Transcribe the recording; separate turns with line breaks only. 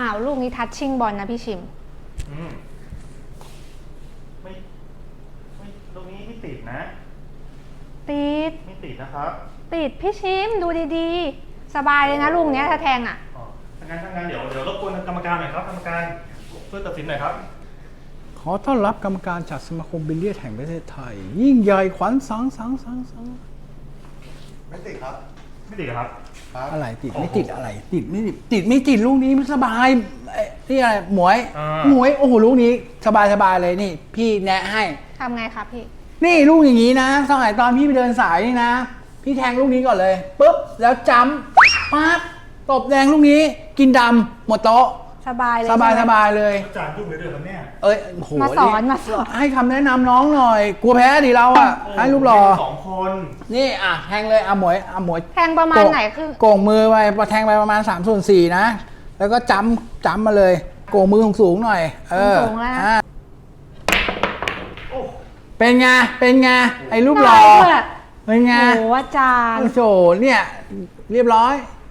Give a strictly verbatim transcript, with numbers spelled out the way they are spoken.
อ้าวลูกนี้ทัชชิ่งบอลนะพี่ชิม
อืมไม่ไม่ตรงนี้ไม่ติดนะ
ติด
ไม่ติดนะครับ
ติดพี่ชิมดูดีๆสบายเลยนะลูกเนี้ยถ้าแทงอ่ะ
อ๋อถ้างั้นถ้างั้นเดี๋ยวเดี๋ยวรบกวนกรรมการหน่อยครับกรรมการช่วยตัดสินหน่อยครับ
ขอต้อนรับกรรมการจากสมาคมบิลเลียดแห่งประเทศไทยยิ่งใหญ่ขวัญสังสังสังสัง
ไม่ติดครับ
ไม่ติดครับ
อะไรติดไม่ติดอะไรติดไม่ติดติดไม่ติดลูกนี้มันสบายนี่อะไรหมวยหมวยโอ้โหลูกนี้สบายสบายเลยนี่พี่แนะให้
ทำไงครับพี่
นี่ลูกอย่างนี้นะสมัยตอนพี่ไปเดินสายนี่นะพี่แทงลูกนี้ก่อนเลยปุ๊บแล้วจัมปั๊บตบแดงลูกนี้กินดำหมดโต๊ะ
สบายเลย
สบายสบายเลย
อาจารย์ยุ่งเลยด้วยครับเนี่ย
เอ้ยโห
มาสอนมาสอน
ให้คำแนะนำน้องหน่อยกลัวแพ้ดิเราอ่ะให้ลูกหล่อ
สองคน
นี่อ่ะแทงเลยอ่ะหมวยอ่ะหมวย
แทงประมาณไหนคือ
โก่งมือไปแทงไปประมาณสามส่วนสี่นะแล้วก็จัมจัมมาเลยโก่งมือสูงหน่อยเออ
สูงแล้ว
เป็นไงเป็นไงไอ้ลูกหล่อเป็นไง
โอ้อาจารย์
โอ้โหเนี่ยเรียบร้อย